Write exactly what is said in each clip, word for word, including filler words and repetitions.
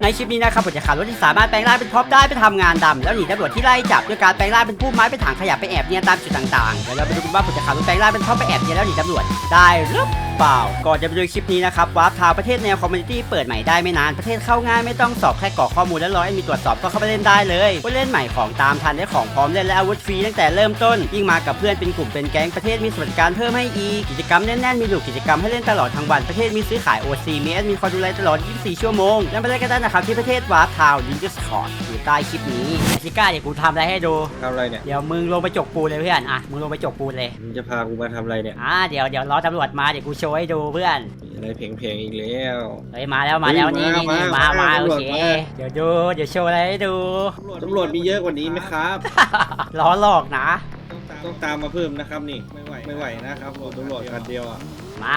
คลิปนี้นะครับผมจะขับรถที่สามารถแปลงร่างเป็นท็อปได้ไปทำงานดำแล้วหนีตำรวจที่ไล่จับด้วยการแปลงร่างเป็นผู้ไม้ไปถังขยะไปแอบเนียนตามจุดต่างๆเดี๋ยวเราไปดูกันว่าผมจะขับรถแปลงร่างเป็นท็อปไปแอบเนียนแล้วหนีตำรวจได้หรือเปล่าก่อนจะไปดูคลิปนี้นะครับวาร์ปทาวประเทศแนวคอมมูนิตี้เปิดใหม่ได้ไม่นานประเทศเข้าง่ายไม่ต้องสอบแค่กรอกข้อมูลและรอให้มีตรวจสอบก็เข้าไปเล่นได้เลยผู้เล่นใหม่ของตามทันได้ของพร้อมเล่นและอาวุธฟรีตั้งแต่เริ่มต้นยิ่งมากับเพื่อนเป็นกลุ่มเป็นแก๊งประเทศมีสวัสดิการเพิ่มให้อีกกิจกรรมแน่นๆมีหลูกกิจกรรมให้เล่นตลอดทั้งวันประเทศมีซื้อขาย โอ ซี มีแอดมินคอยดูแลตลอดยี่สิบสี่ชั่วโมงแล้วไปเล่นกันได้นะครับที่ประเทศวาร์ปทาวลิงก์ Discord อยู่ใต้คลิปนี้ซิก้าเดี๋ยวกูทำอะไรให้ดูทำอะไรเนี่ยเดี๋ยวมึงลงไปจกปูนเลยเพื่อนอ่ะมึงลงไปจกปูนเลยมึงจะพากูมาทำอะไรเนี่ยอ่าเดี๋ยวเดี๋ยวรอตำรวจมาเดี๋ยวกูโชว์ให้ดูเพื่อนอะไรเพลงๆอีกแล้วเฮ้ยมาแล้วมาแล้วนี่นี่นี่มามาโอเคเดี๋ยวดูเดี๋ยวโชว์อะไรให้ดูตำรวจมีเยอะกว่านี้ไหมครับล้อหลอกนะต้องตามมาเพิ่มนะครับนี่ไม่ไหวไม่ไหวนะครับตำรวจคันเดียวอ่ะมา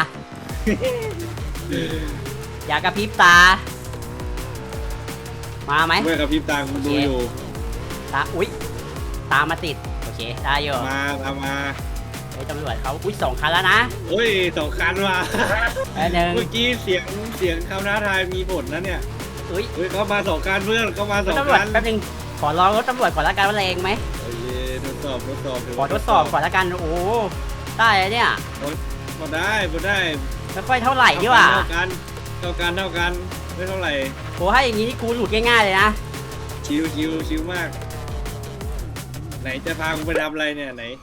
อย่ากระพริบตามาไหมไม่กระพริบตาคุณดูอยู่ตาอุ๊ยตามมาติดโอเคได้อยู่มาตามมาไอ้ตำรวจเขาอุ๊ยสองคันแล้วนะโอ้ยสองคันว่ะเมื่อกี้เสียงเสียงคำท้าทายมีผลนะเนี่ยอุ้ยเฮ้ยเขามาสองคันเพื่อนเขามาสองคันแป๊บนึงขอลองรถตำรวจก่อนละกันว่าแรงไหมโอเคทดสอบทดสอบขอทดสอบก่อนละกันโอ้ได้เนี่ยพอได้พอได้ไม่ค่อยเท่าไหร่ดีกว่าเท่ากันเท่ากันเท่ากันไม่เท่าไหร่โอ้ให้อย่างนี้นี่กูหลุดง่ายๆเลยนะชิวชิวชิวมากไหนจะพากูไปทำอะไรเนี่ยไหน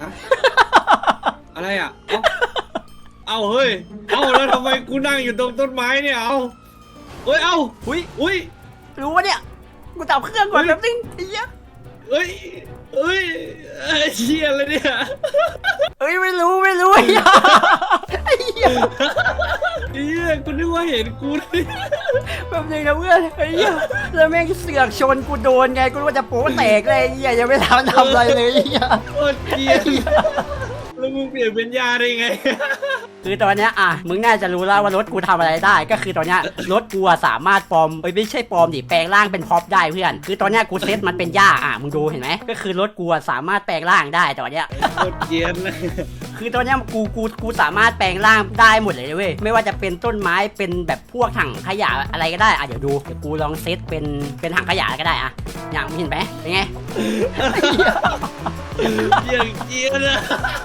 อะไรอ่ะเอาเฮ้ยเอาแล้วทำไมกูนั่งอยู่ตรงต้นไม้เนี่ยเอาเฮ้ยเอาอุ้ยอุ้ยรู้วะเนี่ยกูตับเครื่องก่อนแป๊บนึงไอ้เหี้ยเฮ้ยเฮ้ยเชี่ยอะไรเนี่ยเฮ้ยไม่รู้ไม่รู้ไอ้เหี้ยไอ้เหี้ยไอ้เหี้ยกูนึกว่าเห็นกูเลยแป๊บนึงนะเพื่อนไอ้เหี้ยแล้วแม่งเสือกชนกูโดนไงกูว่าจะโป๊แตกเลยไอ้เหี้ยยังไม่ทำทำอะไรเลยไอ้เหี้ยโคตรเกลียดแล้วมึงเปลี่ยนเป็นยาได้ไงคือตอนนี้อ่ะมึงน่าจะรู้แล้วว่ารถกูทำอะไรได้ก็คือตอนนี้รถกูสามารถปลอมไม่ใช่ปลอมดิแปลงร่างเป็นพ็อปได้เพื่อนคือตอนนี้กูเซตมันเป็นหญ้าอ่ะมึงดูเห็นไหมก็คือรถกูสามารถแปลงร่างได้ตอนนี้โคตรเกลียดเลยคือตอนนี้กูกูกูสามารถแปลงร่างได้หมดเลยเว้ยไม่ว่าจะเป็นต้นไม้เป็นแบบพวกถังขยะอะไรก็ได้อ่ะเดี๋ยวดูเดี๋ยวกูลองเซตเป็นเป็นถังขยะก็ได้อ่ะอย่างเห็นไหมเป็นไงเกลียดเกลียดเลย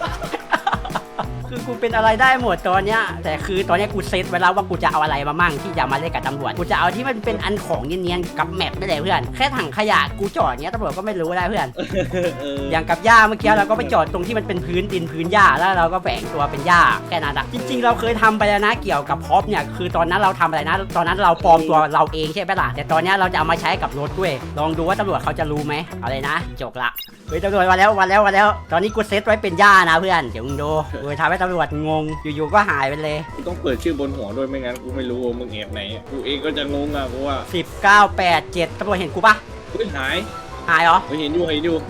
คือกูเป็นอะไรได้หมดตอนเนี้ยแต่คือตอนนี้กูเซตไว้แล้วว่ากูจะเอาอะไรมามั่งที่จะมาเล่นกับตำรวจกูจะเอาที่มันเป็นอันของเนียนๆกับแมปไม่ได้เพื่อนแค่ถังขยะกูจอดเนี้ยตำรวจก็ไม่รู้ได้เพื่อนอย่างกับหญ้าเมื่อกี้เราก็ไปจอดตรงที่มันเป็นพื้นดินพื้นหญ้าแล้วเราก็แฝงตัวเป็นหญ้าแค่นั้นอะจริงๆเราเคยทำไปแล้วนะเกี่ยวกับพ็อปเนี่ยคือตอนนั้นเราทำอะไรนะตอนนั้นเราปลอมตัวเราเองใช่ไหมล่ะแต่ตอนนี้เราจะเอามาใช้กับรถด้วยลองดูว่าตำรวจเขาจะรู้ไหมเอาเลยนะจบละเฮ้ยตำรวจมาแล้วมาแล้วมาแล้วตอนนี้กูเซตไว้เป็นหญ้านะเพื่อนเดี๋ยวมึงดูกูทำให้ตำรวจงงอยู่ๆก็หายไปเลยกูต้องเปิดชื่อบนหัวด้วยไม่งั้นกูไม่รู้มึงแอบไหนกูเองก็จะงงอ่ะกูว่าสิบเก้าแปดเจ็ดตำรวจเห็นกูปะเฮ้ยหายหายเหรอเห็นอยู่เห็นอยู่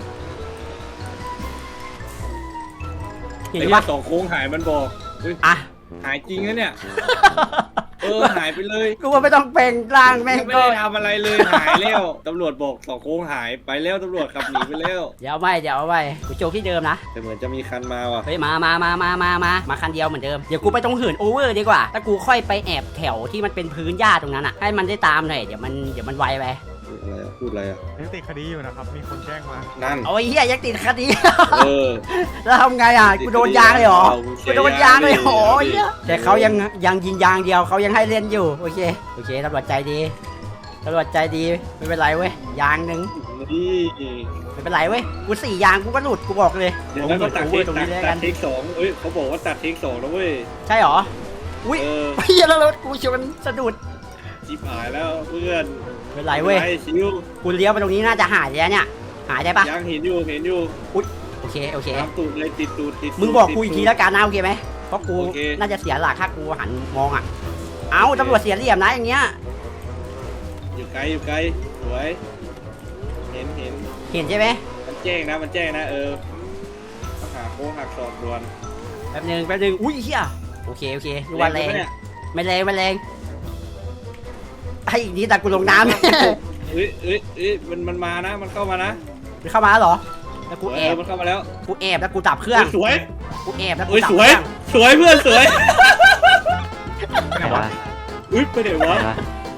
เห็นปะสองโค้งหายมันบอกอ่ะหายจริงนะเนี่ยเออหายไปเลยกูว่าไม่ต้องแปลงร่างแม่งไม่ได้ทำอะไรเลยหายแล้วตำรวจบอกสองโค้งหายไปแล้วตำรวจขับหนีไปแล้วเดี๋ยวไม่เดี๋ยวไม่กูโจที่เดิมนะแต่เหมือนจะมีคันมาว่ะเฮ้ยมามามามามามามาคันเดียวเหมือนเดิมเดี๋ยวกูไปตรงหื่นโอเวอร์ดีกว่าถ้ากูค่อยไปแอบแถวที่มันเป็นพื้นหญ้าตรงนั้นอ่ะให้มันได้ตามหน่อยเดี๋ยวมันเดี๋ยวมันไวไปอะไรอ่ะพูดอะไรอ่ะยังติดคดีอยู่นะครับมีคนแจ้งมานั่นโอ้ยเฮียยังติดคดีเออแล้วทำไงอ่ะกูโดนยางเลยเหรอกูโดนยางเลยโอ้ยแต่เขายังยังยิงยางเดียวเขายังให้เล่นอยู่โอเคโอเคตำรวจใจดีตำรวจใจดีไม่เป็นไรเว้ยยางหนึ่งไม่เป็นไรเว้ยกูสี่ยางกูก็หลุดกูบอกเลยเดี๋ยวก็ตัดเทคตัดเทคสองเอ้ยเขาบอกว่าตัดเทคสองแล้วเว้ยใช่หรออุ้ยเฮียแล้วรถกูชนสะดุดจีบหายแล้วเพื่อนเป็นไรเว้ยกูเลี้ยวไปตรงนี้น่าจะหายแล้วเนี่ยหายได้ปะยังเห็นอยู่เห็นอยู่อุ๊ยโอเคโอเคตูดเลยติดตูดติดมึงบอกกูอีกทีแล้วกันนะโอเคไหมเพราะกูน่าจะเสียหลักถ้ากูหันมองอ่ะเอ้าตำรวจเสียเหลี่ยมนะอย่างเงี้ยอยู่ไกลอยู่ไกลสวยเห็นเห็นเห็นใช่ไหมมันแจ้งนะมันแจ้งนะเออหักโค้งหักศอกด่วนแป๊บนึงแป๊บนึงอุ้ยเฮียโอเคโอเคดูวันแรงไม่แรงไม่แรงไอ้อีกนี้แต่กูลงน้ำเอ้ยเอ้ยเอ้ยมันมันมานะมันเข้ามานะมันเข้ามาเหรอแล้วกูแอบมันเข้ามาแล้วกูแอบแล้วกูดับเครื่องสวยกูแอบแล้วกูดับเครื่องสวยเพื่อนสวยไหนวะอุ้ยไปไหนวะน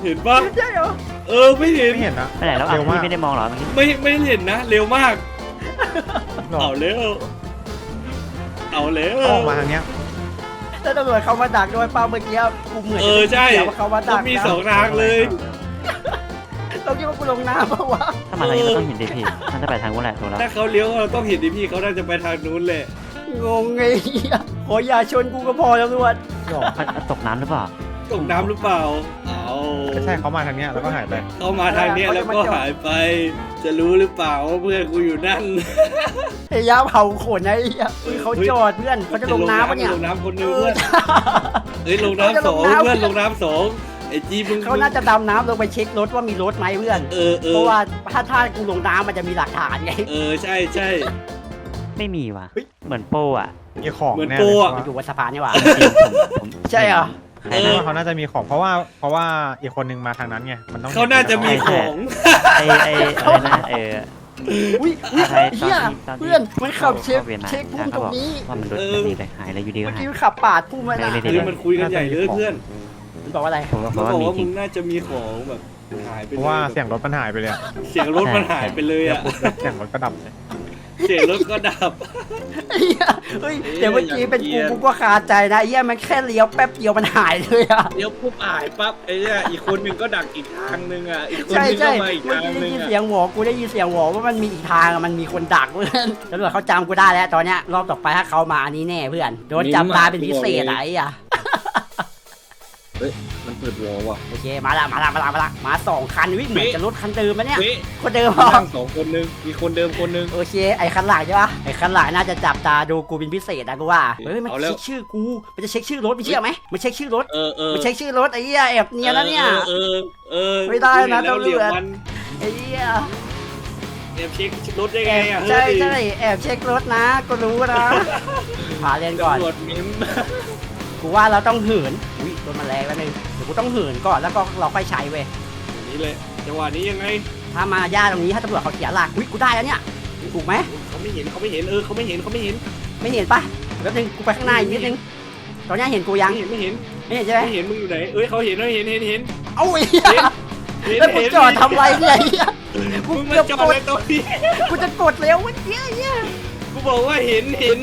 เห็นปะใช่เหรอเออไม่เห็นไม่เห็นนะไปไหนแล้วอ่ะเร็วมากพี่ไม่ได้มองเหรอเมื่อกี้ไม่ไม่เห็นนะเร็วมากหรอเอาเร็วเอาเร็วออกมาทางเนี้ยแล้วตำรวจเขามาดักด้วยเปล่าเมื่อกี้กูเหมือนเออใช่เดี๋ยวว่าเขามาดัต้อก งมีสองทางเลยเราคิดว่ากูลงน้ำเปล่าวะถ้ามาทางนี้เราต้องเห็นดิพี่มันจะไปทางนู้นแหละถูกแล้วถ้าเขาเลี้ยวเราต้องเห็นดิพี่เขาน่าจะไปทางนู้นแหละงงไงเหี้ยขออย่าชนกูก็พอแล้วตำรวจหรอมันมันตกน้ำหรือเปล่าตกน้ำหรือเปล่าเอาไม่ใช่เขามาทางเนี้ยแล้วก็หายไปเขามาทางเนี้ยแล้วก็หายไป จะรู้หรือเปล่าว่าเพื่อนกูอยู่นั่นพยายามเผาขนไอ้เหี้ยเฮ้ยเขาจอดเพื่อนเขาจะลงน้ำปะเนี่ยลงน้ำคนหนึงเพื่อนเฮ้ยลงน้ำสองเพื่อนลงน้ำสองไอ้จีมึงเขาน่าจะดำน้ำลงไปเช็ครถว่ามีรถไหมเพื่อนเออเอเพอราะว่าถ้าถ้ากูลงน้ำมันจะมีหลักฐานไงเออใช่ใช่ไม่มีว่ะเฮ้ยเหมือนโป้อะมีของเหมือนแน่โปรเลยอะมันอยู่บนสะพานนี่หว่าจริงๆผมผมใช่เหรอใครเพนะราะว่าเขาน่าจะมีของเพราะว่าเพราะว่าอีกคนนึงมาทางนั้นไงมันต้องเขาน่าจะมีของไอไออะไรนะเอออุ้ยอุ้ยอะไรตอนเฮียที่ตอนที่เพื่อนมันขับเช็คข้าวียนมาเช็คพุ่มตรงนี้ว่ามันรถแบบนี้เลยหายแล้วอยู่ดีก็เมื่อหายกี้มันขับปาดพุ่มมาแล้วไม่ได้เฮ้ยมันคุยกันใหญ่เลยเพื่อนมันบอกว่าอะไรผมก็เพมันราะว่าบอกมีว่าจมึริงงน่าจะมีของแบบหายไปเพเลยราะว่าเสียงรถมันหายไปเลยอะเสียงรถมันหายไปเลยเดี๋ยวอ่ะปุ๊บแล้วเสียงรถก็ดับเลยเสียงรถก็ดับเฮียเฮ้ยเอ๊ะแต่เมื่อกี้เป็นอย่างเงี้กูยกูก็คาใจนะเฮียมันแค่เลี้ยวแป๊บเดียวมันหายเลยอะเดี๋ยวปุ๊บหายปั๊บไอ้เนี่ยอีกคนหนึ่งก็ดักอีกทางหนึ่งอ่ะอีกคนใช่หนึงใช่ก็มาอีกเมื่อทางกี้หได้นึ่งยินอ่ะเสียงหวอกูได้ยินเสียงหวอว่ามันมีอีกทางอะมันมีคนดักเพื่อนตำรวจเขาจำกูได้แล้วตอนเนี้ยรอบต่อไปถ้าเขามาอันนี้แน่เพื่อนโดนจับตาเป็นพิเศษอะไอ้อะเฮ้ยมันเปิดวอลว่ะโอเคมาละมาละมาละมาละมาสองคันวิเหมือนจะรถคันเดิมนะเนี่ยเฮ้ยคนเดิมเหรอนั่งสองคนหนึงมีคนเดิมคนหนึงโอเคไอ้คันหลังใช่ปะไอ้คันหลังน่าจะจับตาดูกูเป็นพิเศษนะกูว่าเฮ้ยมันเอาแล้วเช็คชื่อกูมันจะเช็คชื่อรถไม่เชื่อไหมมันเช็คชื่อรถเออเออมันเช็คชื่อรถไอ้เหี้ยแอบเนียนแล้วเนี่ยเออเออเออไม่ได้นะแล้วตำรวจเหลี่ยมมันไอ้เหี้ยแอบเช็ครถได้แอไงบอ่ะใช่เฮ้ยใช่แอบเช็ครถนะกูรู้นะหาเรียนก่อนตำรวจมิ้มกูว่าเราต้องเหินอุ้ยรถมันแรงแล้วนึงเดี๋ยวกูต้องเหินก่อนแล้วก็เราค่อยใช้เว้ยอย่างนี้เลยจังหวะนี้ยังไงถ้ามาย่าตรงนี้ถ้าตำรวจเขาเสียหลักอุ้ยกูได้แล้วเนี่ยถูกไหมเขาไม่เห็นเขาไม่เห็นเออเขาไม่เห็นเขาไม่เห็นไม่เห็นปะแป๊บนึงกูไปข้างหน้าอีกนิดนึงตอนนี้เห็นกูยังไม่เห็นไม่เห็นไม่เห็นใช่ไหมไม่เห็นมึงอยู่ไหนเอ้ยเขาเห็นเขาเห็นเห็นเห็นเอ้าไอ้เหี้ยเห็นแล้วกูเห็นจอดทำไรเนี่ยไอ้เหี้ยกูมึงมาเกือบจอดกดในตรงนี้กูจะกดเร็วเมื่อกี้ไอ้เหี้ยกูบอกว่าเห็นเห็น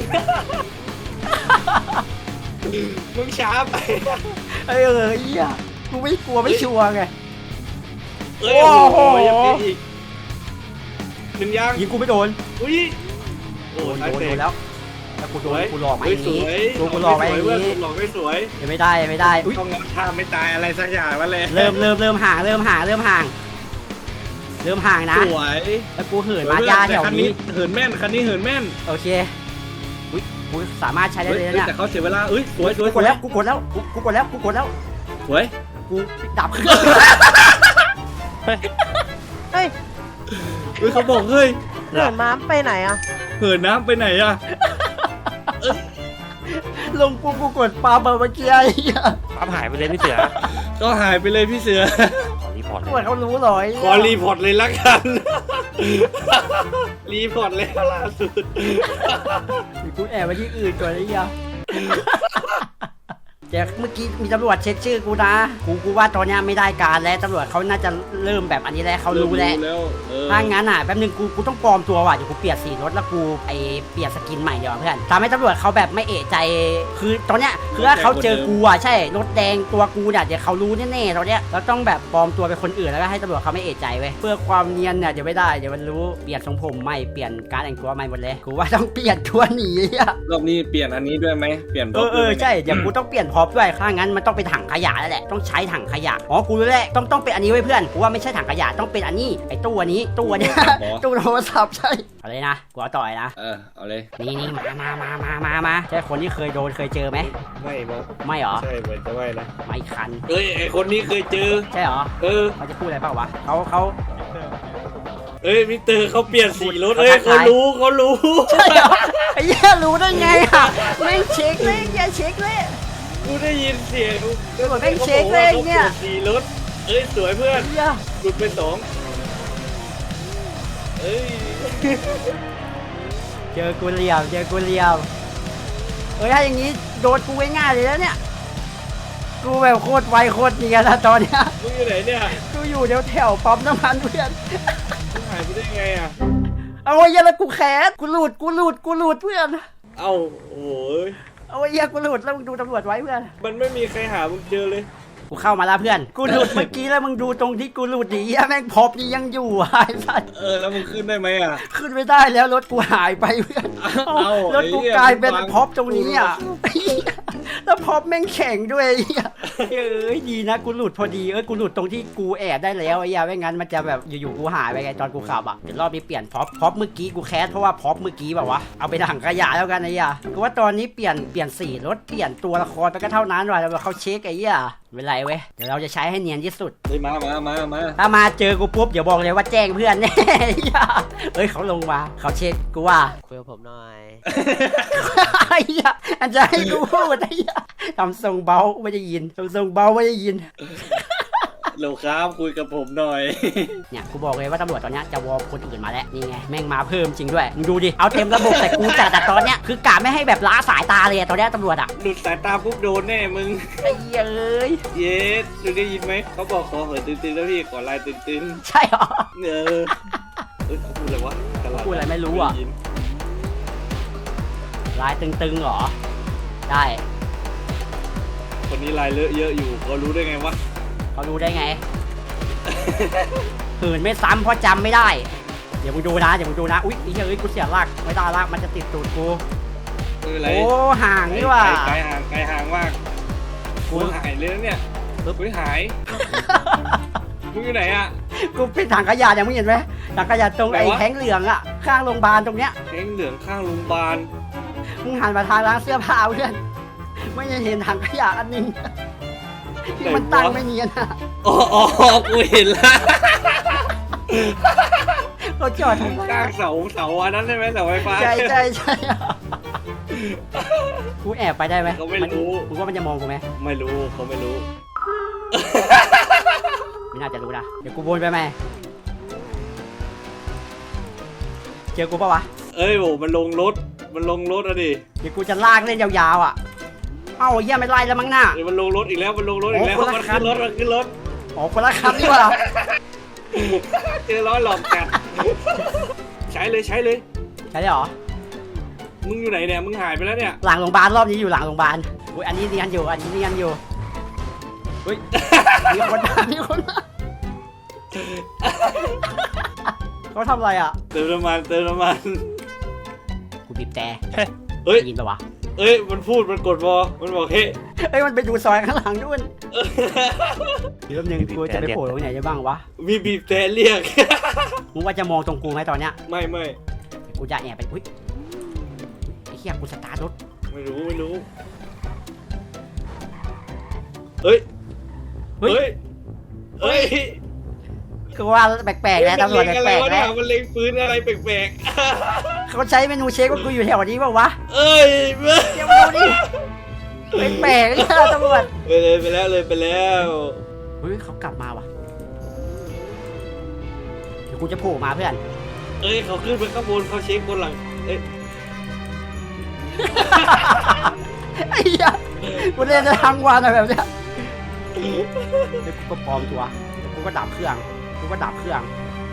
มึงช้าไปเออไอ้เหี้ยกูไม่กลัวไม่ชัวร์ไงเอ้ยโอ้โอ้โหโหยังมีอีกหนึ่งยางยิงกูไม่โดนอุ้ยโดโอ้นตายโดนเตะโดนแล้วแล้วกูโดสนวยกูหลอกมาอเฮ้ยย่างสนี้วยกูกูหลอกมาอย่างเว้ยนี้หลอกไม่สวยยังไม่ได้ยังไม่ได้อุ้ยต้องงับท่าไม่ตายอะไรสักอย่างแล้วแหละเริ่มเริ่มเริ่มห่างเริ่มห่างเริ่มห่าง เริ่มห่างนะสวยแล้วกูเหินมาย่าแถวคันนี้เหินแม่นคันนี้เหินแม่นโอเคอุ้ยกูสามารถใช้ได้เฮ้ยเลยนะเนี่ยแต่เขาเสียเวลาเอ้ยสวยสวยกูกดแล้วกูกดแล้วกูกูกดแล้วกูกดแล้วสวยกูดับเครื่องเฮ้ยเฮ้ยเขาบอกเฮ้ยเหินม้าไปไหนอ่ะเหินน้ำไปไหนอะลงกูกูกดปาเบอร์เมื่อกี้ไอ้เหี้ยปั๊มหายไปเลยพี่เสือก็หายไปเลยพี่เสือขอรีพอร์ตตำเลรวจยเขารู้เหรอไอ้ขเหี้อย รีพอร์ตเลยละกัน รีพอร์ตเลยล่าสุดกูแอบไปที่อื่นก่อนไอ้เหี้ยแต่เมื่อกี้มีตำรวจเช็คชื่อกูนะกูกูว่าตอนเนี้ยไม่ได้การแล้วตำรวจเขาน่าจะเริ่มแบบอันนี้แล้วเขารู้แล้วแล้วเออถ้างั้นอ่ะแป๊บนึงกูกูต้องปลอมตัวว่ะเดี๋ยวกูเปลี่ยนสีรถแล้วกูไอเปลี่ยนสกินใหม่เดี๋ยวาเพื่อนทำให้ตำรวจเขาแบบไม่เอะใจคือตอนเนี้ยคือถ้าเขาเจอกูอ่ะใช่รถแดงตัวกูเนี่ยเดี๋ยวเขารู้แน่ๆตอนเนี้ยเราต้องแบบปลอมตัวเป็นคนอื่นแล้วก็ให้ตำรวจเขาไม่เอะใจเว้ยเพื่อความเนียนเนี่ยเดี๋ยวไม่ได้เดี๋ยวมันรู้เปลี่ยนทรงผมใหม่เปลี่ยนการแต่งตัวใหม่หมดเลยกูว่าต้องเปลี่ยนตัวหนีอ่ะรอบนี้เปลี่ยนอันนี้ด้วยไหมเปลี่ยนเออเออใช่เดี๋ยวกูต้องเปลี่ยนพร็อพด้วยถ้างั้นมันต้องเป็นถังขยะแล้วแหละต้องใช้ถังขยะอ๋อกูรู้แล้วต้องต้องเป็นอันนี้ไว้เพื่อนกูว่าไม่ใช่ถังขยะต้องเป็นอันนี้ไอ้ตู้อันนี้ตู้อันนี้ ตู้โทรศัพท์ใช่เอาเลยนะกูเอาต่อยนะเออเอาเลยนี่นี่มามามามามามาใช่คนที่เคยโดนเคยเจอไหมไม่บอกไม่เหรอใช่เหมือนจะไม่นะไม่คันเอ้ยไอคนนี้เคยเจอใช่เหรอเออเขาจะพูดอะไรเปล่าวะเขาเขาเอ้ยมิสเตอร์เขาเปลี่ยนสีรถเขาเอ้ยทักเขาทายรู้เขารู้ใช่เหรอไอ้เหี้ยรู้ได้ไงอ่ะไม่เช็คเลยอย่าเช็คเลยกูได้ยินเสียงตำรวจแม่งเช็คเลยเนี่ยขาบอกว่าขาปลี่สีรถเอ้ยสวยเพื่อนเหี้ยหลุดไปสองเอ้ยเจอกูเหลี่ยมเจอกูเหลี่ยมเอ้ยถ้าอย่างนี้โดนกูง่ายๆเลยแล้วเนี่ยกูแบบโคตรไวโคตรเนียนนะตอนเนี้ยมึงอยู่ไหนเนี่ยกูอยู่เดี๋ยวแถวปั๊มน้ำมันเพื่อนมึงหายไปได้ไงอ่ะเอาไอ้เหี้ยแล้วกูแคสกูหลุดกูหลุดกูหลุดเพื่อนเอ้าโอ้ยเอาไอ้เหี้ยกูหลุดแล้วมึงดูตำรวจไว้เพื่อนมันไม่มีใครหามึงเจอเลยกูเข้ามาแล้วเพื่อนกูหลุดเมื่อกี้แล้วมึงดูตรงที่กูหลุดดิเหี้ยแม่งพอบนี่ยังอยู่อ่ะไอ้สัสเออแล้วมึงขึ้นได้ไหมอ่ะขึ้นไม่ได้แล้วรถกูหายไปเพื่อนเอ้ารถกูไอ้เหี้ยกลายเป็นมึงฟังพอบตรงนี้อ่ะไอ้เหี้ยแล้วพอบแม่งแข็งด้วยไอ้เหี้ยเอ้ยดีนะกูหลุดพอดีเอ้ยกูหลุดตรงที่กูแอบได้แล้วไอ้เหี้ยไม่งั้นมันจะแบบอยู่ๆกูหายไปไงตอนกูขับอ่ะเดี๋ยวรอบนี้เปลี่ยนพอบพอบเมื่อกี้กูแคสเพราะว่าพอบเมื่อกี้แบบว่าเอาไปถังขยะแล้วกันไอ้เหี้ยกูว่าตอนนี้เปลี่ยนเปลี่ยนสีรถเปลี่ยนตัวละครไปก็เท่านั้นว่ะแล้วเขาเช็คไอ้เหี้ยไม่เป็นไรเว้ยเดี๋ยวเราจะใช้ให้เนียนที่สุดเฮ้ยมามามามาถ้ามาเจอกูปุ๊บเดี๋ยวบอกเลยว่าแจ้งเพื่อนแน่ เฮ้ยเขาลงมาเขาเช็คกูว่าคุยกับผมหน่อยไอ้เหี้ยอันจะให้กูพูดไอ้เหี้ยทำทรงเบาไม่ได้ยินทำทรงเบาไม่ได้ยินเร็วครับคุยกับผมหน่อยเนี่ยกูบอกเลยว่าตำรวจตอนเนี้ยจะวอลคนอื่นมาแล้วนี่ไงแม่งมาเพิ่มจริงด้วยมึงดูดิเอาเต็มระบบแต่กูจัดแต่ตอนเนี้ยคือกะไม่ให้แบบล้าสายตาเลยอะตอนเนี้ยตำรวจอะหลุดสายตาปุ๊บโดนแน่มึงไอ้เหี้ยเอ้ยเย็ดดูได้ยินไหมเขาบอกขอเหินตึงๆแล้วพี่ขอลายตึงใช่เหรอๆเออเอ้ยเขาพูดอะไรวะตลาดพูดอะไรไม่รู้อะด้ยินลายตึงๆเหรอได้คนนี้ลายเลอะเยอะอยู่เขารู้ได้ไงวะเขารู้ได้ไง หืนไม่ซ้ำเพราะจำไม่ได้เดี๋ยวมึงดูนะเดี๋ยวมึงดูนะอุ๊ยไอ้เหี้ยเอ้ยกูเสียหลักไม่ได้ละมันจะติดตูดกูไม่เป็นไรโอ้ห่างนี่ว่ะไกลห่างไกลห่างมากกูกูหายเลยนะเนี่ยกูหายมึงอยู่ไหนอ่ะกูปิดถังขยะยังไม่เห็นไหมถังขยะตรงไหนไอ้วะแข้งเหลืองอะข้างโรงพยาบาลตรงเนี้ยแข้งเหลืองข้างโรงพยาบาลมึงหันมาทางร้านเสื้อผ้าเพื่อนไม่ได้เห็นถังขยะอันนึงที่มันตั้งไม่เนียนอะอ๋ออ๋อกูเห็นละเราจอดทำไมกลางเสาเสาอันนั้นใช่ไหมเสาไฟฟ้าใช่ใช่ใช่กูแอบไปได้ไหมเขาไม่รู้มึงว่ามันจะมองกูไหมไม่รู้เขาไม่รู้ไม่น่าจะรู้นะเดี๋ยวกูวนไปไหมเจอกูปะวะเอ้ยโหมันลงรถมันลงรถอะดิเดี๋ยวกูจะลากเล่นยาวๆอ่ะเอ้าเยี่ยไม่ไล่แล้วมั้งหน้าเดี๋ยวมันลงรถอีกแล้วมันลงรถอีกแล้วโอ้คนละมันคัขึ้นนรถมันขึ้นรถอ๋อคนละคันนี่หว่าเจอร้อยหลอกกัดใช้เลยใช้เลยใช่ได้เหรอมึงอยู่ไหนเนี่ยมึงหายไปแล้วเนี่ยหลังโรงพยาบาลรอบนี้อยู่หลังโรงพยาบาลอุ้ยอันนี้เนียนอยู่อันนี้เนียนอยู่เฮ้ยมีคนมามีคนมาเขาทำอะไรอ่ะเติมน้ำมันเติมน้ำมันกูบีบแต่เฮ้ยได้ยินปะวะเอ้ยมันพูดมันกดวอมันบอกเฮ้ยเฮ้ยมันไปดูซอยข้างหลังด้วยเดี๋ยวแป๊บนึงกูจะไปโผล่ตรงไหนได้บ้างวะมีบีบแต่เรียกมึงว่าจะมองตรงกูไหมตอนเนี้ยไม่ไม่เดี๋ยวกูจะแอบไปอุ้ยไอ้เหี้ยกูสตาร์ทรถไม่รู้ไม่รู้เฮ้ยเฮ้ยเฮ้ยเฮ้ยคือว่าแปลกๆนะตำรวจมันแปเล็ลงกอะไรวะๆเนี่นะยมันเล็งปืนอะไรแปลกเขาใช้เมนูเช็คว่ากูอยู่แถวนี้เปล่าวะๆเอ้ยเว้ยเดี๋ยวมาดูดิแปลกๆนะตำรวจไปเลยไปแล้วเลยไปแล้วเฮ้ยเขากลับมาว่ะเดี๋ยวกูจะโผล่มาเพื่อนเอ้ยเขาขึ้นไปข้างบนเขาเช็คบนหลังเอ้ยไอ้เหี้ยกูเล่นได้ทั้งวันอะแบบเนี้ยเดี๋ยวกูก็ปลอมตัวเดี๋ยวกูก็ดับเครื่องกูก็ดับเครื่อง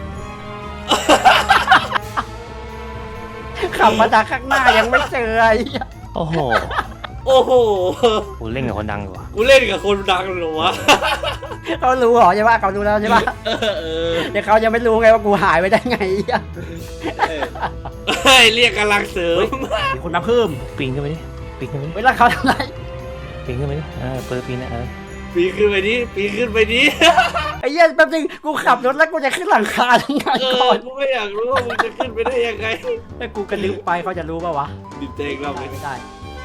ขับมาจากข้างหน้ายังไม่เจอไอ้เหี้ยโอ้โหโอ้โหกูเล่นกับคนดังอยู่ว่ะกูเล่นกับคนดังเหรอวะเขารู้เหรอใช่ปะเขารู้แล้วใช่ปะเออเออเดี๋ยวเขายังไม่รู้ไงว่ากูหายไปได้ไงไอ้เหี้ยเฮ้ยเรียกกำลังเสริมมีคนมาเพิ่มปีนขึ้นไปดิปีนขึ้นไปดิเวลาเขาทำไรปีนขึ้นไปดิเออเปิดปีนนะเออปีนขึ้นไปนี้ปีนขึ้นไปนี้ไอ้เหี้ยแป๊บนึงกูขับรถแล้วกูจะขึ้นหลังคาทั้งไงเอก่ออนกูไม่อยากรู้ว่ามึงจะขึ้นไปได้ยังไงถ้ากูกระดึ๊บไปเขาจะรู้ป่าวะดิบเตงเราเลยไม่ได้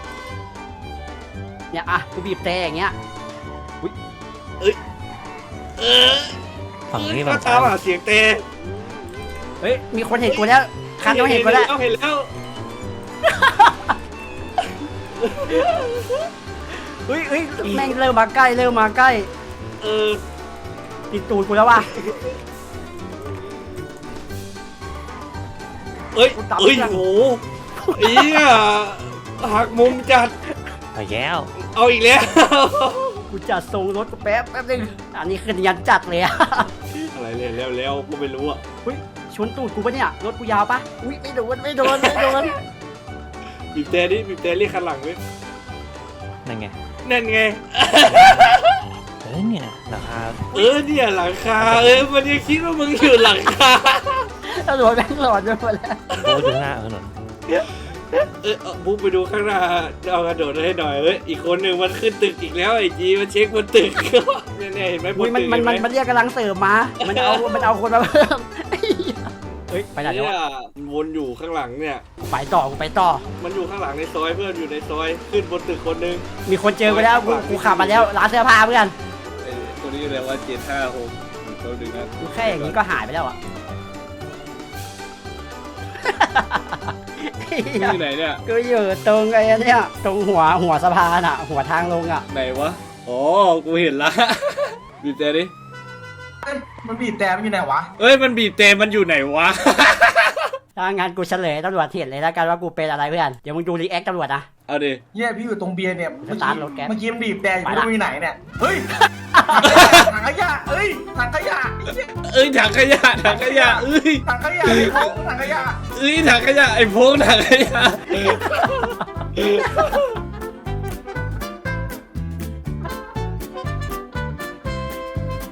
เนี่ยอ่ะกูบีบแต่อย่างเงี้ยเออฝั่งนี้ก็ฝั่งตาซ้าม ยหาเสียงเตะเฮ้ยมีคนเห็นกูแล้วคันเขาเห็นกูแล้วเห็นแล้วเฮ้ยเฮ้ยแม่งเริ่มมาใกล้เริ่มมาใกล้เออติดตูดกูแล้วว่ะเอ้ยเอ้ยโหอีอ่ะหักมุมจัดไปแล้วเอาอีกแล้วกูกูจัดทรงรถกูแป๊บแป๊บนึงอันนี้คือยันจัดเลยอะอะไรเร็วเร็วเร็วกูไม่รู้อ่ะอุ้ยชนตูดกูปะเนี่ยรถกูยาวปะอุ้ยไม่โดนไม่โดนไม่โดนบีบแต่ดิบีบแต่เรียกคันหลังเว้ยนั่นไงนั่นไงเออเนี่ยราคาเออเนี่ยหลังคาเออมันยังคิดว่ามึงอยู่หลังคาตำรวจแม่งหลอนไปหมดแล้วโอ้ยดูหน้าถนนเออเอาบุ๊กไปดูข้างหน้าเอากระโดดให้หน่อยเอ้ยอีกคนหนึ่งมันขึ้นตึกอีกแล้วไอ้จีมันเช็คบนตึก เนี่ยๆเห็นไหมบอุ้นยมันตึกมันเห็นไหมัมนมันเรียกกำลังเสริมมา มันเอามันเอาคนมาเพิ่มเฮ้ยไปไหนเนี่แล้ยวะมันวนอยู่ข้างหลังเนี่ยกูไปต่อกูไปต่อมันอยู่ข้างหลังในซอยเพื่อนอยู่ในซอยขึ้นบนตึกคนหนึงมีคนเจอไปแล้วกูกูขับมาแล้วร้านเสื้อผ้าเพื่อนไอ้ตัวนี้เรียกว่าเจ็ดห้าหกตัวหนึ่งนะกูแค่อย่างนี้ก็หายไปแล้วอ่ะที่ไหนเนี่ยกูอยู่ตรงไอ้เนี่ยตรงหัวหัวสะพานอ่ะ หัวทางลงอ่ะไหนวะอ๋อกูเห็นละ บีบแต่ดิมันบีบแต่มันอยู่ไหนวะเอ้ยมันบีบแต่มันอยู่ไหนวะถ้างั้นกูเฉลยตำรวจเห็นเลยแล้วกันว่ากูเป็นอะไรเพื่อน เดี๋ยวมึงดูรีแอคตำรวจนะเอาดิเนี่ยพี่อยู่ตรงเบียร์เนี่ย เมื่อสตากี้ร์ทรถแก๊สเมื่อกี้มันบีบแต่อยู่ไปไม่ละรู้อยู่ไหนเนี่ย เฮ้ย ถังขยะเอ้ย ถังขยะไอ้เหี้ยเอ้ยถังขยะถังขยะเอ้ยถังขยะไอ้ของถังขยะเอ้ยถังขยะไอ้พงถังขยะ